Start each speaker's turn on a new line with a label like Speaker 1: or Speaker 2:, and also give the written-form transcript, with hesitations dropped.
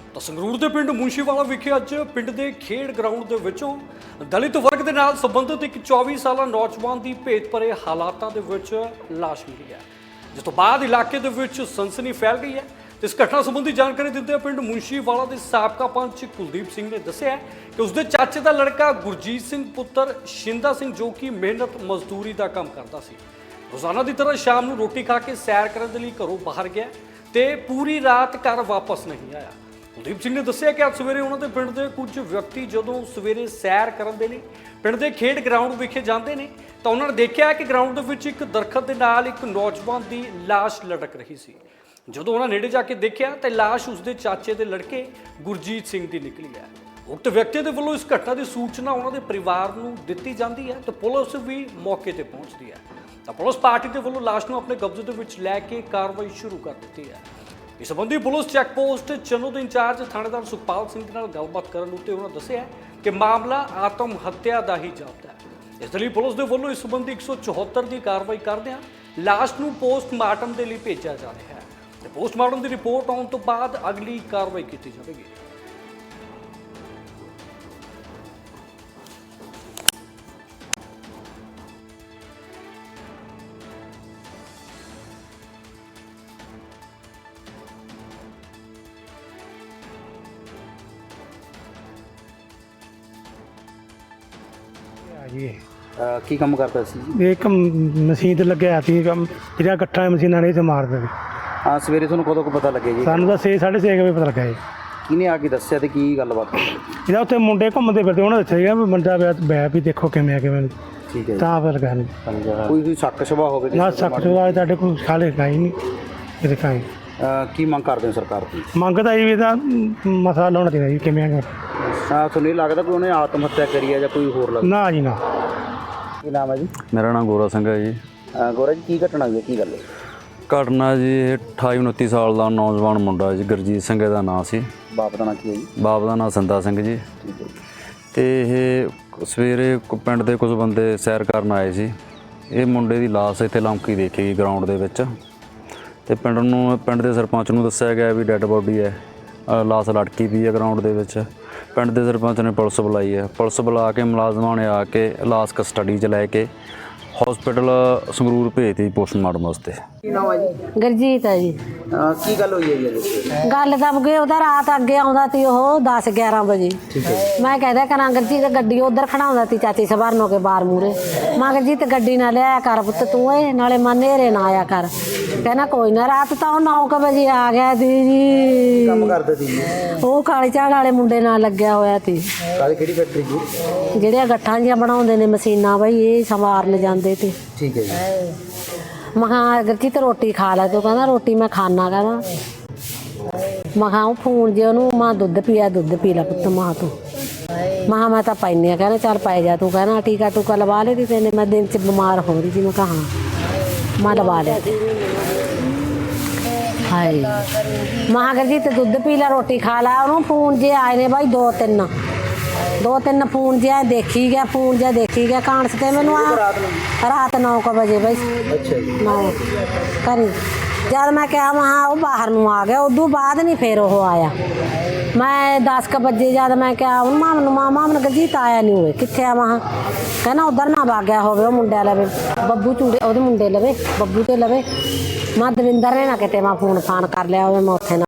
Speaker 1: ਤਾਂ ਸੰਗਰੂਰ ਦੇ ਪਿੰਡ ਮੁੰਸ਼ੀਵਾਲਾ ਵਿਖੇ ਅੱਜ ਪਿੰਡ ਦੇ ਖੇਡ ਗਰਾਊਂਡ ਦੇ ਵਿੱਚੋਂ ਦਲਿਤ ਵਰਗ ਦੇ ਨਾਲ ਸੰਬੰਧਿਤ ਇੱਕ 24 ਸਾਲਾ ਨੌਜਵਾਨ ਦੀ ਭੇਤ ਭਰੇ ਹਾਲਾਤਾਂ ਦੇ ਵਿੱਚ ਲਾਸ਼ ਮਿਲੀ ਹੈ, ਜਿਸ ਤੋਂ ਬਾਅਦ ਇਲਾਕੇ ਦੇ ਵਿੱਚ ਸਨਸਨੀ ਫੈਲ ਗਈ ਹੈ। ਇਸ ਘਟਨਾ ਸੰਬੰਧੀ ਜਾਣਕਾਰੀ ਦਿੰਦੇ ਪਿੰਡ ਮੁੰਸ਼ੀਵਾਲਾ ਦੇ ਸਾਬਕਾ ਪੰਚ ਕੁਲਦੀਪ ਸਿੰਘ ਨੇ ਦੱਸਿਆ ਕਿ ਉਸਦੇ ਚਾਚੇ ਦਾ ਲੜਕਾ ਗੁਰਜੀਤ ਸਿੰਘ ਪੁੱਤਰ ਸ਼ਿੰਦਾ ਸਿੰਘ ਜੋ ਕਿ ਮਿਹਨਤ ਮਜ਼ਦੂਰੀ ਦਾ ਕੰਮ ਕਰਦਾ ਸੀ, ਰੋਜ਼ਾਨਾ ਦੀ ਤਰ੍ਹਾਂ ਸ਼ਾਮ ਨੂੰ ਰੋਟੀ ਖਾ ਕੇ ਸੈਰ ਕਰਨ ਦੇ ਲਈ ਘਰੋਂ ਬਾਹਰ ਗਿਆ ਤੇ ਪੂਰੀ ਰਾਤ ਘਰ ਵਾਪਸ ਨਹੀਂ ਆਇਆ। ਕੁਲਦੀਪ ਸਿੰਘ ਨੇ ਦੱਸਿਆ ਕਿ ਅੱਜ ਸਵੇਰੇ ਉਹਨਾਂ ਦੇ ਪਿੰਡ ਦੇ ਕੁਝ ਵਿਅਕਤੀ ਜਦੋਂ ਸਵੇਰੇ ਸੈਰ ਕਰਨ ਦੇ ਲਈ ਪਿੰਡ ਦੇ ਖੇਡ ਗਰਾਊਂਡ ਵਿਖੇ ਜਾਂਦੇ ਨੇ ਤਾਂ ਉਹਨਾਂ ਨੇ ਦੇਖਿਆ ਕਿ ਗਰਾਊਂਡ ਦੇ ਵਿੱਚ ਇੱਕ ਦਰਖਤ ਦੇ ਨਾਲ ਇੱਕ ਨੌਜਵਾਨ ਦੀ ਲਾਸ਼ ਲਟਕ ਰਹੀ ਸੀ। ਜਦੋਂ ਉਹਨਾਂ ਨੇੜੇ ਜਾ ਕੇ ਦੇਖਿਆ ਤਾਂ ਲਾਸ਼ ਉਸਦੇ ਚਾਚੇ ਦੇ ਲੜਕੇ ਗੁਰਜੀਤ ਸਿੰਘ ਦੀ ਨਿਕਲੀ ਹੈ। ਉਕਤ ਵਿਅਕਤੀ ਦੇ ਵੱਲੋਂ ਇਸ ਘਟਨਾ ਦੀ ਸੂਚਨਾ ਉਹਨਾਂ ਦੇ ਪਰਿਵਾਰ ਨੂੰ ਦਿੱਤੀ ਜਾਂਦੀ ਹੈ ਤੇ ਪੁਲਿਸ ਵੀ ਮੌਕੇ ਤੇ ਪਹੁੰਚਦੀ ਹੈ। ਤਾਂ ਪੁਲਿਸ ਪਾਰਟੀ ਦੇ ਵੱਲੋਂ ਲਾਸ਼ ਨੂੰ ਆਪਣੇ ਕਬਜ਼ੇ ਦੇ ਵਿੱਚ ਲੈ ਕੇ ਕਾਰਵਾਈ ਸ਼ੁਰੂ ਕਰ ਦਿੱਤੀ ਹੈ। ਇਸ ਸੰਬੰਧੀ ਪੁਲਿਸ ਚੈੱਕ ਪੋਸਟ ਚੰਨੂ ਦੇ ਇੰਚਾਰਜ ਥਾਣੇਦਾਰ ਸੁਖਪਾਲ ਸਿੰਘ ਨਾਲ ਗੱਲਬਾਤ ਕਰਨ ਉੱਤੇ ਉਹਨਾਂ ਦੱਸਿਆ ਕਿ ਮਾਮਲਾ ਆਤਮ ਹੱਤਿਆ ਦਾ ਹੀ ਜਾਪਦਾ ਹੈ। ਇਸ ਲਈ ਪੁਲਿਸ ਦੇ ਵੱਲੋਂ ਇਸ ਸੰਬੰਧੀ 174 ਦੀ ਕਾਰਵਾਈ ਕਰਦਿਆਂ ਲਾਸ਼ ਨੂੰ ਪੋਸਟਮਾਰਟਮ ਦੇ ਲਈ ਭੇਜਿਆ ਜਾ ਰਿਹਾ ਹੈ ਤੇ ਪੋਸਟਮਾਰਟਮ ਦੀ ਰਿਪੋਰਟ ਆਉਣ ਤੋਂ ਬਾਅਦ ਅਗਲੀ ਕਾਰਵਾਈ ਕੀਤੀ ਜਾਵੇਗੀ।
Speaker 2: जी
Speaker 3: ਕੀ ਕੰਮ ਕਰਦਾ ਸੀ ਜੀ?
Speaker 2: एक मशीन ते लग्या सी ਕੰਮ ਜਿਹੜਾ ਗੱਠਾਂ ਮਸ਼ੀਨਾਂ ਨੇ ਤੇ ਮਾਰ ਦੇ
Speaker 3: ਹਾਂ, ਸਵੇਰੇ ਤੁਹਾਨੂੰ ਕਦੋਂ ਕੁ ਪਤਾ ਲੱਗਿਆ ਜੀ?
Speaker 2: ਸਾਨੂੰ ਤਾਂ 6:30 ਵਜੇ ਪਤਾ ਲੱਗਾ ਜੀ।
Speaker 3: ਕਿਹਨੇ ਆ ਕੇ ਦੱਸਿਆ ਤੇ ਕੀ ਗੱਲਬਾਤ ਹੋਈ?
Speaker 2: ਇਹਦਾ ਉੱਥੇ ਮੁੰਡੇ ਘੁੰਮਦੇ ਫਿਰਦੇ ਉਹਨਾਂ ਦੱਸਿਆ ਗਿਆ ਵੀ ਮੁੰਡਾ ਬੈ ਵੀ ਦੇਖੋ ਕਿਵੇਂ ਆ ਕਿਵੇਂ ਨਹੀਂ।
Speaker 3: ਠੀਕ ਹੈ ਜੀ।
Speaker 2: ਤਾਂ ਪਤਾ ਲੱਗਾ ਨਹੀਂ
Speaker 3: ਕੋਈ ਸ਼ੱਕ ਸ਼ਬਾ ਹੋਵੇ
Speaker 2: ਨਾ ਸਖਤ ਵਾਲੇ ਤੁਹਾਡੇ ਕੋਲ ਖਾਲੇ ਖਾਈ ਨਹੀਂ ਇਹਦੇ ਖਾਈ
Speaker 3: ਕੀ ਮੰਗ ਕਰਦੇ ਹੋ ਸਰਕਾਰ ਤੋਂ?
Speaker 2: ਮੰਗਦਾ ਜੀ ਵੀ ਇਹਦਾ ਮਸਲਾ ਲਾਉਣਾ ਚਾਹੀਦਾ ਜੀ ਕਿਵੇਂ ਆ
Speaker 3: ਤੁਹਾਨੂੰ ਇਹ ਲੱਗਦਾ ਕੋਈ ਉਹਨੇ ਆਤਮ ਹੱਤਿਆ ਕਰੀ ਹੈ ਜਾਂ ਕੋਈ ਹੋਰ ਲੱਗਦਾ?
Speaker 2: ਨਾ ਜੀ ਨਾ।
Speaker 3: ਕੀ ਨਾਮ ਹੈ ਜੀ?
Speaker 4: ਮੇਰਾ ਨਾਮ ਗੋਰਾ ਸਿੰਘ ਹੈ ਜੀ।
Speaker 3: ਗੋਰਾ ਜੀ, ਕੀ ਘਟਨਾ ਹੋਈ ਹੈ, ਕੀ ਗੱਲ ਹੈ?
Speaker 4: ਘਟਨਾ ਜੀ ਇਹ 28-29 ਸਾਲ ਦਾ ਨੌਜਵਾਨ ਮੁੰਡਾ ਜੀ, ਗੁਰਜੀਤ ਸਿੰਘ ਦਾ ਨਾਂ ਸੀ।
Speaker 3: ਬਾਪ ਦਾ ਨਾਂ ਕੀ ਹੈ ਜੀ?
Speaker 4: ਬਾਪ ਦਾ ਨਾਂ ਸਿੰਦਾ ਸਿੰਘ ਜੀ।
Speaker 3: ਠੀਕ ਹੈ ਜੀ।
Speaker 4: ਤੇ ਇਹ ਸਵੇਰੇ ਪਿੰਡ ਦੇ ਕੁਝ ਬੰਦੇ ਸੈਰ ਕਰਨ ਆਏ ਸੀ। ਇਹ ਮੁੰਡੇ ਦੀ ਲਾਸ਼ ਇੱਥੇ ਲੰਮਕੀ ਦੇਖੀ ਗਈ ਗਰਾਊਂਡ ਦੇ ਵਿੱਚ ਤੇ ਪਿੰਡ ਦੇ ਸਰਪੰਚ ਨੂੰ ਦੱਸਿਆ ਗਿਆ ਵੀ ਡੈੱਡ ਬੋਡੀ ਹੈ, ਲਾਸ਼ ਲਟਕੀ ਪਈ ਹੈ ਗਰਾਊਂਡ ਦੇ ਵਿੱਚ। ਪਿੰਡ ਦੇ ਸਰਪੰਚ ਨੇ ਪੁਲਿਸ ਬੁਲਾਈ ਹੈ। ਪੁਲਿਸ ਬੁਲਾ ਕੇ ਮੁਲਾਜ਼ਮਾਂ ਨੇ ਆ ਕੇ ਲਾਸ਼ ਕਸਟਡੀ 'ਚ ਲੈ ਕੇ ਹਸਪੀਟਲ ਸੰਗਰੂਰ ਭੇਜਤੀ ਪੋਸਟਮਾਰਟਮ ਵਾਸਤੇ।
Speaker 3: ਕੀ ਨਾਮ ਹੈ ਜੀ?
Speaker 5: ਗੁਰਜੀਤ ਹੈ ਜੀ।
Speaker 3: ਕੀ ਗੱਲ ਹੋਈ ਹੈ ਜੀ?
Speaker 5: ਗੱਲ ਤਾਂ ਅੱਗੇ ਉਹਦਾ ਰਾਤ ਅੱਗੇ ਆਉਂਦਾ ਸੀ ਉਹ 10-11 ਵਜੇ।
Speaker 3: ਠੀਕ ਹੈ।
Speaker 5: ਮੈਂ ਕਹਿੰਦਾ ਕਰਾਂ ਗੁਰਜੀਤ ਗੱਡੀ ਉਧਰ ਖੜਾਉਂਦਾ ਸੀ ਚਾਚੀ ਸਵਰਨੋ ਕੇ ਬਾਹਰ ਮੂਰੇ। ਮੈਂ ਗੁਰਜੀਤ ਗੱਡੀ ਨਾ ਲਿਆਇਆ ਕਰ ਪੁੱਤ ਤੂੰ ਇਹ ਨਾਲੇ ਮੈਂ ਨੇਰੇ ਨਾ ਆਇਆ ਕਰ। ਕਹਿੰਦਾ ਕੋਈ ਨਾ। ਰਾਤ ਤਾਂ ਉਹ 9 ਵਜੇ ਆ ਗਿਆ ਸੀ ਜੀ।
Speaker 3: ਕੰਮ ਕਰਦੇ ਸੀ
Speaker 5: ਉਹ ਕਾਲੀ ਝਾੜ ਵਾਲੇ ਮੁੰਡੇ ਨਾਲ ਲੱਗਿਆ ਹੋਇਆ ਸੀ।
Speaker 3: ਕਾਲੀ ਕਿਹੜੀ ਫੈਕਟਰੀ ਜੀ?
Speaker 5: ਜਿਹੜੀਆਂ ਗੱਠਾਂ ਜਿਹੀਆਂ ਬਣਾਉਂਦੇ ਨੇ ਮਸ਼ੀਨਾਂ ਬਈ ਇਹ ਸੰਵਾਰਨ ਜਾਂਦੇ ਤੇ।
Speaker 3: ਠੀਕ ਹੈ ਜੀ।
Speaker 5: ਮੈਂ ਕਿਹਾ ਗੁਰਜੀਤ ਰੋਟੀ ਖਾ ਲੈ ਤੂੰ। ਕਹਿੰਦਾ ਰੋਟੀ ਮੈਂ ਖਾਣਾ। ਕਹਿੰਦਾ ਮੈਂ ਕਿਹਾ ਉਹ ਫੋਨ ਜੇ ਉਹਨੂੰ ਮਾਂ ਦੁੱਧ ਪੀ ਲੈ ਪੁੱਤ ਮਾਂ ਤੂੰ। ਮੈਂ ਤਾਂ ਪੈਂਦੀ ਆ। ਕਹਿੰਦਾ ਚੱਲ ਪੈ ਜਾ ਤੂੰ। ਕਹਿੰਦਾ ਟੀਕਾ ਟੂਕਾ ਲਵਾ ਲਿਆ ਤੈਨੇ? ਮੈਂ ਦਿਨ 'ਚ ਬਿਮਾਰ ਹੋ ਰਹੀ ਸੀ। ਮੈਂ ਕਿਹਾ ਹਾਂ ਮੈਂ ਲਵਾ ਲਿਆ। ਹਾਏ ਮੈਂ ਗੁਰਜੀਤ ਦੁੱਧ ਪੀ ਲੈ ਰੋਟੀ ਖਾ ਲੈ। ਉਹਨੂੰ ਫੋਨ ਜੇ ਆਏ ਨੇ ਬਾਈ ਦੋ ਤਿੰਨ ਫੋਨ ਜਿਹਾ ਦੇਖੀ ਗਿਆ ਕਾਂਸ ਤੇ ਮੈਨੂੰ ਰਾਤ 9 ਵਜੇ ਬਾਈ।
Speaker 3: ਅੱਛਾ ਜੀ।
Speaker 5: 9 ਕਰੀ ਜਦ ਮੈਂ ਕਿਹਾ ਮਹਾ ਉਹ ਬਾਹਰ ਨੂੰ ਆ ਗਿਆ। ਉਦੋਂ ਬਾਅਦ ਨਹੀਂ ਫਿਰ ਉਹ ਆਇਆ। ਮੈਂ 10 ਵਜੇ ਜਦ ਮੈਂ ਕਿਹਾ ਉਹਨੂੰ ਮਾਮਨ ਗੁਰਜੀਤ ਆਇਆ ਨਹੀਂ ਹੋਏ ਕਿੱਥੇ ਆ। ਮਹਾ ਕਹਿੰਦਾ ਉਧਰ ਨਾ ਵਾਗਿਆ ਹੋਵੇ ਉਹ ਮੁੰਡਿਆਂ ਲਵੇ ਬੱਬੂ ਚੂੜੇ ਉਹਦੇ ਮੁੰਡੇ ਲਵੇ ਬੱਬੂ ਤੇ ਲਵੇ। ਮੈਂ ਦਵਿੰਦਰ ਨੇ ਨਾ ਕਿਤੇ ਮੈਂ ਫੋਨ ਫਾਨ ਕਰ ਲਿਆ ਹੋਵੇ ਮੈਂ ਉੱਥੇ ਨਾ